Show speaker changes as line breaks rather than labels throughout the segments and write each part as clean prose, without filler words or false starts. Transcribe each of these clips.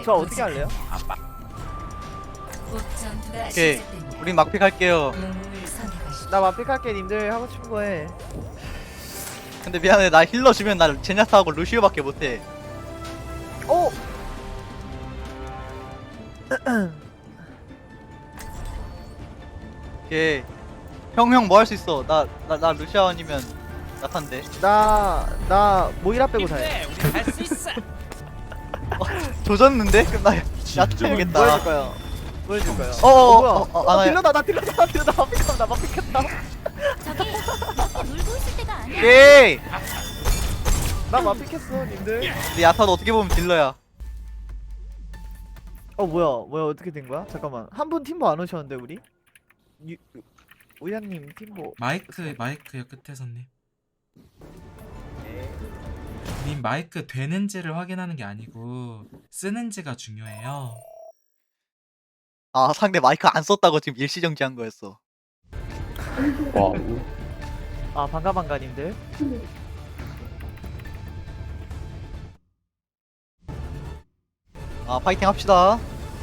저 어떻게 할래요?
오케이, 우린 막픽 할게요.
나 마픽할게. 님들 하고 싶은 거 해.
근데 미안해, 나 힐러 주면 나 제냐타하고 루시오밖에 못해.
오!
오케이. 형 뭐 할 수 있어? 나 루시아 아니면 나탄데.
나 모이라 빼고 다 해.
우리 할 수 있어.
조졌는데? 그럼 나
뭐
야타야겠다.
해줄 거야? 뭐 해줄 거야?
아,
딜러다 나 마픽한다. 나 마픽했다.
저기 놀고 있을 때가 아니야.
오케이.
나 마픽했어 님들.
근데 야타도 어떻게 보면 딜러야.
뭐야 어떻게 된 거야? 잠깐만 한 분 팀보 안 오셨는데 우리? 우야님 팀보.
마이크요 끝에서님. 님 마이크 되는지를 확인하는 게 아니고 쓰는지가 중요해요.
아, 상대 마이크 안 썼다고 지금 일시정지한 거였어.
아 반가 님들.
아, 파이팅 합시다.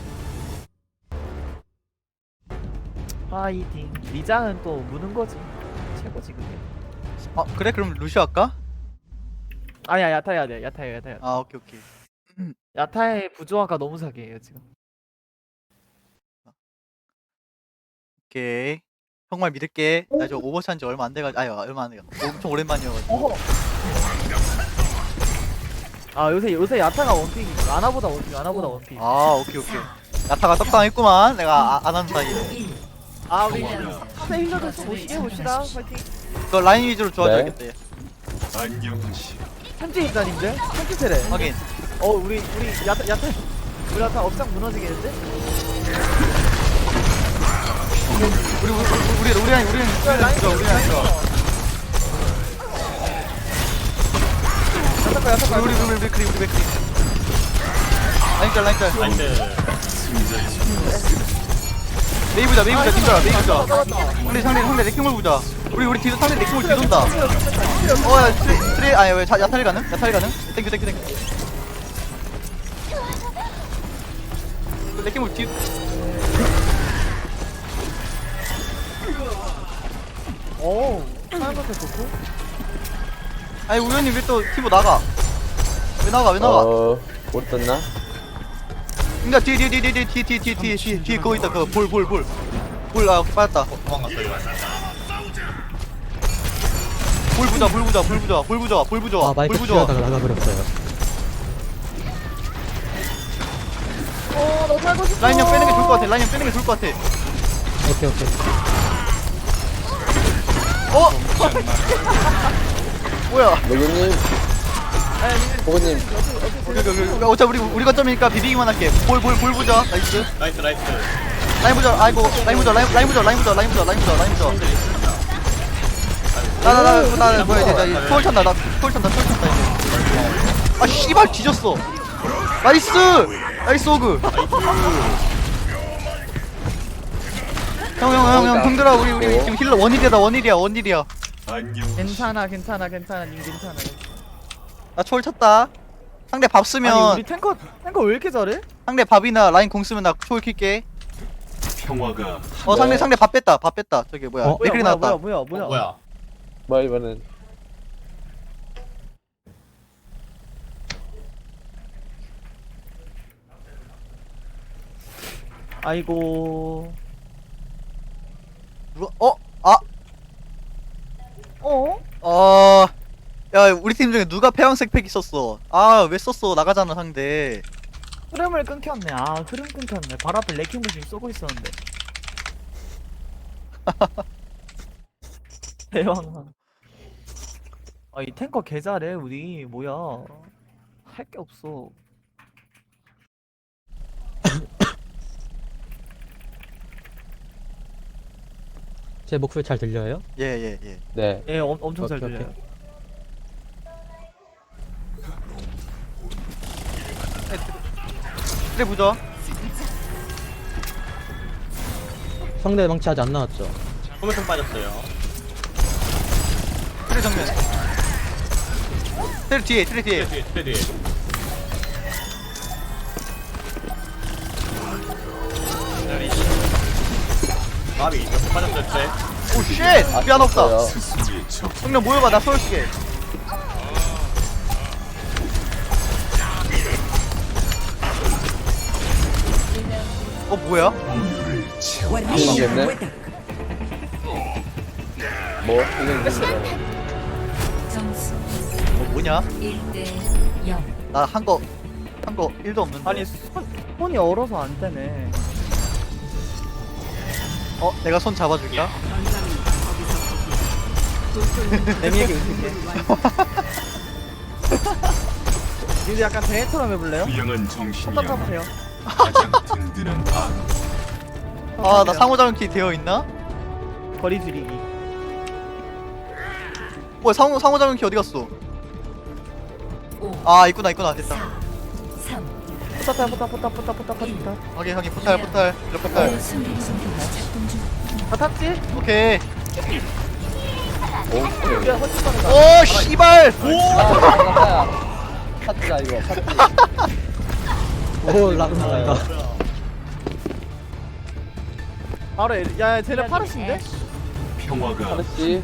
파이팅. 리장은 또 무는 거지. 최고지 그게.
아, 그래? 그럼 루시오 할까?
아니야 야타 해야 돼. 야타.
아, 오케이.
야타의 부조화가 너무 사기예요 지금.
오케이. 정말 믿을게. 나 저 오버워치 한지 얼마 안 돼가지고, 얼마 안 돼가지고. 엄청 오랜만이어가지고.
아 요새 야타가 원픽. 아나보다 원픽. 원픽.
아, 오케이. 야타가 떡상했구만. 내가 안 하는 사이에.
아 우리 상대 힐러들 좀 오시게 해봅시다. 파이팅.
너 라인 위주로 좋아져야겠다. 얘.
현지 입단인데? 현지 세례.
확인.
우리 야타 업장 무너지겠는데?
우리 라인 좋아.
야타가
우리 맥크리. 라인 짤. 메이 보자. 팀들아. 우리 상대 레킹볼 보자. 우리 뒤도 상대 레킹볼 뒤돈다. 야, 트레 아니 왜 야탈이 가능? 땡큐. 레킹볼 뒤.
사연한테 좋고.
아니 우연히 왜 또 팀보 나가? 왜 나가?
못 떴나?
그니까 뒤에 그거 있다. 그거 볼. 아, 빠졌다. 볼 부자.
아 마이크 튀어다가 나가버렸어요.
너무 살고 싶어.
라인 형 빼는 게 좋을 것 같아.
오케이.
뭐야?
매교님, 보고님,
어차피 우리 거점이니까 비비기만 할게. 볼 부자. 나이스. 라인 부자. 아이고, 라인 부자. 나 뭐야 이제 초월 찬다. 이제. 아 씨발 뒤졌어. 나이스 오그. 형들아 우리 지금 힐러 원일이야.
괜찮아 님 괜찮아.
나 초월 쳤다. 상대 밥
아니
쓰면
우리 탱커 왜 이렇게 잘해?
상대 밥이나 라인 공 쓰면 나 초월 킬게. 상대 밥 뺐다. 저기 뭐야? 맥클이 나왔다.
뭐야?
뭐 이번엔
아이고.
야, 우리 팀 중에 누가 폐왕색 팩 있었어? 아, 왜 썼어? 나가잖아, 상대.
흐름을 끊겼네. 흐름 끊겼네. 바로 앞에 레킹볼 지금 쏘고 있었는데. 대왕. 이 탱커 개 잘해 우리. 뭐야? 할 게 없어.
제 목소리 잘 들려요?
예.
네.
엄청 잘
오케이,
들려요.
그래, 보자.
상대 망치 아직 안 나왔죠?
소매통 빠졌어요.
그래, 정면. 트레 뒤에.
뒤에. 마비 이렇게 빠졌을 때
오 쉣! 미안 없다.
없어요.
형님 모여봐 나 쏠게. 뭐야?
이기겠네. 뭐 이겼는데.
점수
뭐냐?
1대 0.
나 한 거 1도 없는데.
아니 손이 얼어서 안 되네.
내가 손 잡아줄까?
애미에게 웃을게. 니들 약간 대회처럼 해볼래요? 손딱 타보세요.
아 나 상호작용키 되어 있나?
거리 줄이기.
뭐야 상호작용키 어디 갔어?
5,
아 있구나 됐다.
3.
포탑.
확인 포탈 이렇게 포탈.
순간순간가 작동 중.
다 탔지?
오케이.
오.
야 훨씬 빠르다.
오 씨발.
파트다 이거 파트.
오 라그나가.
바로 야 쟤네 파르신데?
파트지.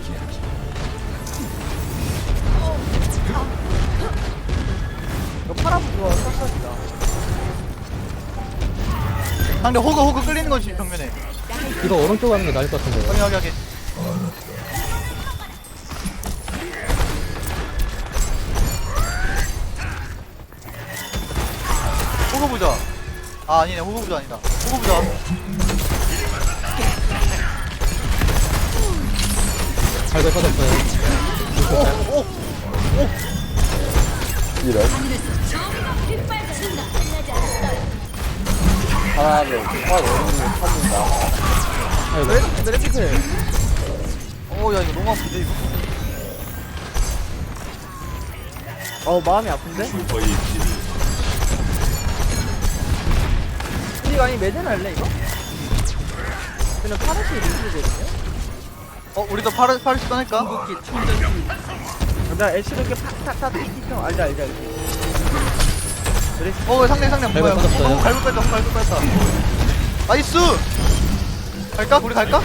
이거 파라부 좋아 싹싹이다.
상대 호그 끌리는 거지 벽면에.
이거 오른쪽 가는 게 나을 것 같은데요.
확인. 호그 부자. 아 아니네 호그 부자 아니다. 호그 부자.
발발 빠졌어요.
오.
이런. 하나를 확 오른쪽 찾는다.
아이고.
메레피트.
야 이거 너무 아픈데 이거.
마음이 아픈데? 우리가 아니 매전 할래 이거? 그냥 파르시 리뷰거든요?
우리도 파르시 떠낼까?
나 애쉬로 이렇게 팍팍팍 튀기죠. 알지.
상대 뭐야?
발발 빠졌어요.
갈고 뺐다. 나이스. 갈까? 우리 갈까?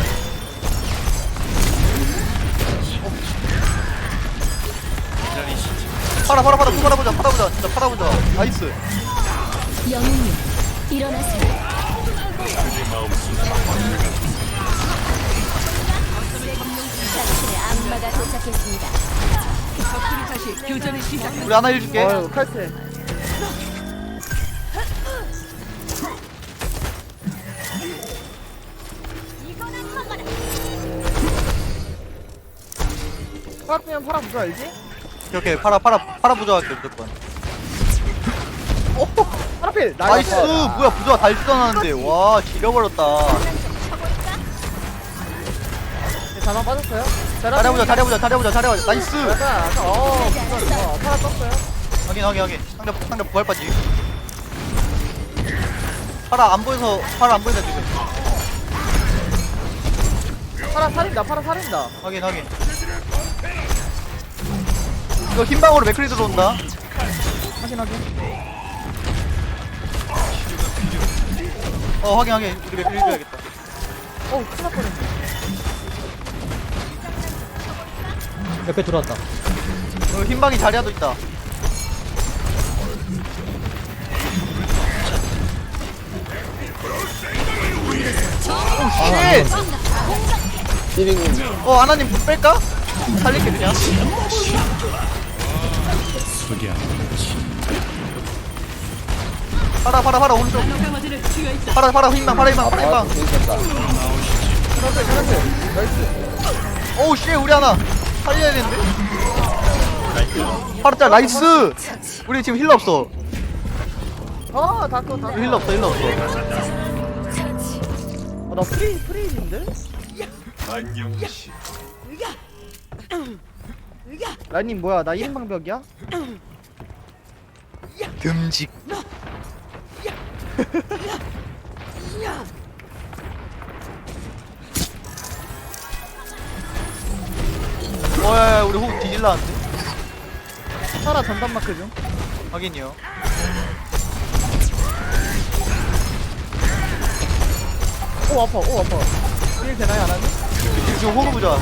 팔아보자. 진짜 팔아보자. 나이스.
영웅님 일어나세요. 당신의 악마가 도착했습니다.
우리 하나 해줄게.
칼퇴. 파라면 파라 부자 알지?
이렇게 팔아보자 할게 무조건.
파라필
나이스. 뭐야 부자 달지도 와 지려버렸다.
자만 빠졌어요?
잘해보자. 나이스.
약간 부자 파라 떴어요.
확인. 상대 부활 빠지. 파라 안 보여서 지금.
파라 살인다.
확인. 이거 흰방으로 맥크리 들어온다.
확인.
확인. 우리 맥크리 줘야겠다.
큰일 날 뻔했네.
옆에 들어왔다.
흰방이 자리야도 있다. 오 쉣!
띠링.
아나님 뺄까? 살릴게 그냥. 파라 오른쪽. 파라 흰방.
아 재밌었다.
오우 씨 우리 하나 살려야 되는데. 파라 짤 나이스. 우리 지금 힐러 없어.
다꺼.
힐러 없어.
나 프리즈인데? 라님 뭐야 나 1인방벽이야?
듬직. 야야 우리 호흡 뒤질라는데.
파라 전담 마크 중.
확인이요.
오 아파. 일 되나요 안 하니?
지금 호구 보자.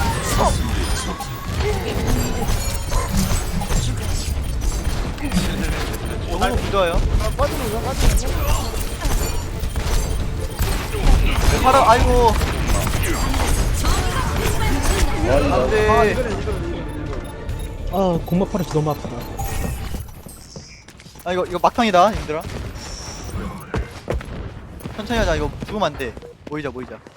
호구 부자예요.
빠지는 거 빠지는 거.
바로 아이고
머리 넣어.
안돼.
아, 공막 파르시 너무 아프다.
아 이거 막판이다 얘들아. 천천히 하자. 이거 죽으면 안돼. 모이자.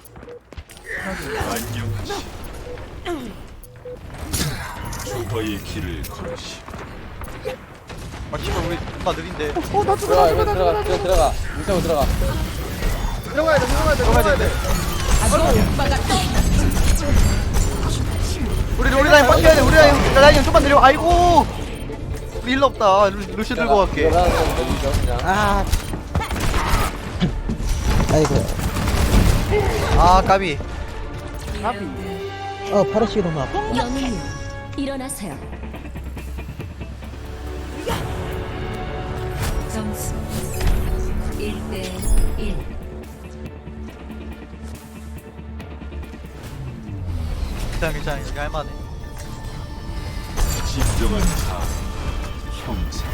조화의 길을 걸으시.
아 씨발 우리 존나 느린데.
나
들어가, 이거 들어가. 물타고 들어가.
들어가야 돼.
우리 라인 빡쳐야 돼. 우리 라인 좀만 내려. 아이고 우리 힐러 없다. 루시 들고 갈게.
들어가는 건 내리죠, 그냥.
아이고.
아 까비.
파르시가 너무 아파.
영웅님, 일어나세요. 점수 1대 1.
괜찮아. 이거 할만해.
진정한 자 형제.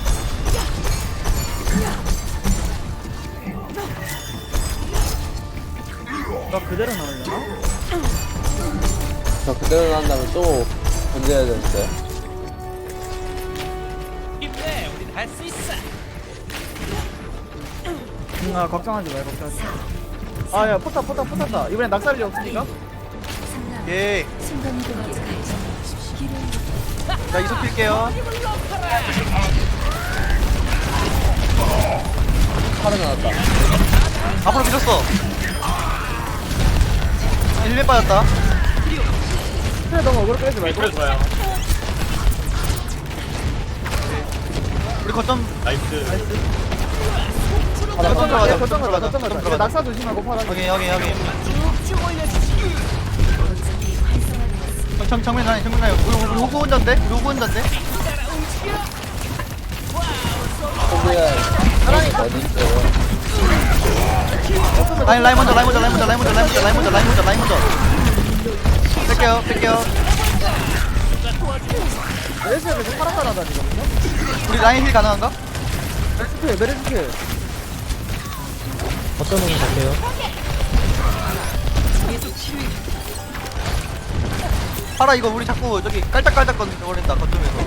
나 그대로 나오려나?
저 그대로 난다면 또 던져야 되는데.
아 걱정하지 마 걱정하지 마. 아야 포탑다 이번엔 낙살이 없으니까.
오케이.
순간이동까지
나 이속 킬게요.
팔아 나왔다.
앞으로 밀었어. 1렙 빠졌다.
그래 너무 어그로 빼지 말고.
우리 거점
팔아
거점
나왔다.
들어가자.
거점 가자.
들어가자.
낙사 조심하고 파란.
여기. 정면 라인. 우리 호구 혼자인데?
호구야. 어디 있어요?
라인 먼저. 뺄게요.
메르시에서 파란 따라다 지금.
우리 라인 힐 가능한가?
메르시피.
어떤 놈 갈게요.
파라 이거 우리 자꾸 저기 깔짝깔짝 거린다 거점에서.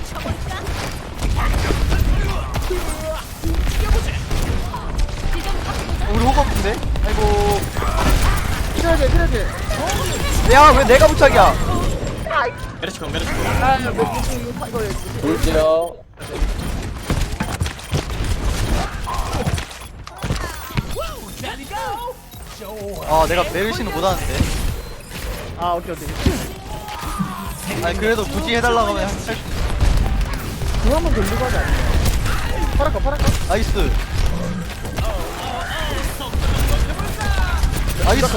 우리 호구 없는데? 아이고.
필요하지.
야 왜 내가 부착이야?
돌지요.
아 내가 메르시는 못하는데.
아 오케이.
아니 그래도 굳이 해달라고 하면
그거 한번 돌리고 하자. 파란거.
나이스. 나이스.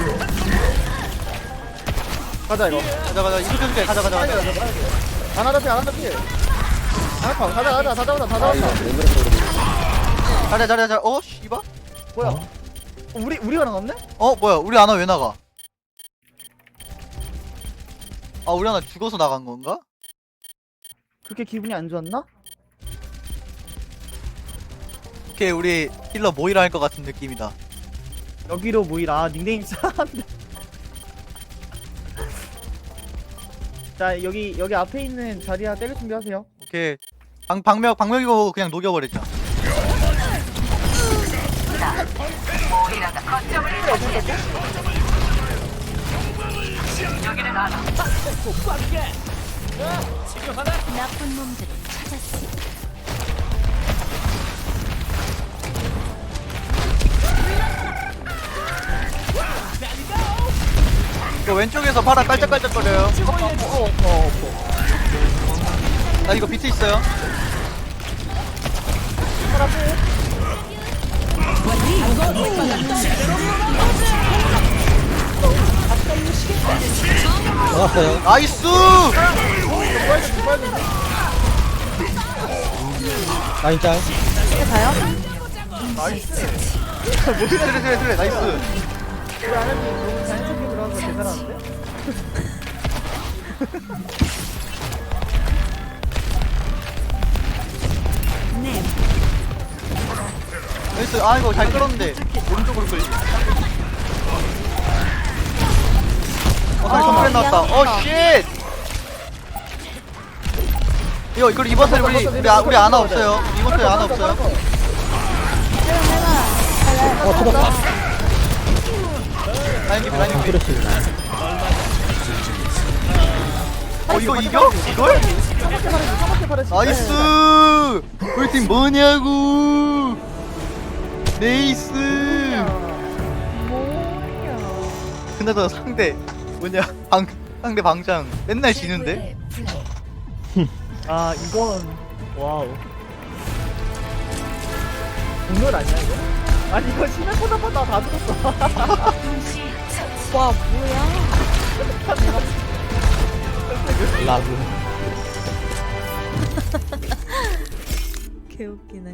가자 이거.
가자 이거 좀 가자.
하나 더 피. 가자. 다 잡았다.
아, 이거 왜 그렇게
자자. 어 씨발.
뭐야? 우리가 나갔네?
어 뭐야 우리 아나 왜 나가? 아 우리 아나 죽어서 나간 건가?
그렇게 기분이 안 좋았나?
오케이 우리 힐러 모이라 할 것 같은 느낌이다.
여기로 모이라. 아, 닉네임 싸한데. 자 여기 앞에 있는 자리야 때릴 준비하세요.
오케이 방벽이고 그냥 녹여버리자.
나쁜 놈들을 찾았어.
이거 왼쪽에서 파라 깔짝깔짝거려요. 나 이거 비트 있어요.
나왔어요.
나이스.
라인 짤.
트레 나이스.
우리 아나님 너무 자연스럽게 들어가서 대단한데?
나이스. 아 이거 잘 끌었는데 오른쪽으로 끌리. 다시 정크랜 나왔다. 쉣. 이거 이번 턴에 우리 아나 없어요. 이번 턴에 아나 없어요.
터졌다.
라인 기비 라인 기비.
그렇지.
이거 이겨? 이걸? 나이스. 우리 팀 뭐냐고. 네이스. 그나저나 상대 뭐냐 상대 방장 맨날 지는데?
아 이건 와우 공연 아니야 이거? 아니 이거 시나코나보다 다 들었어
와 뭐야?
라구.
개웃기네.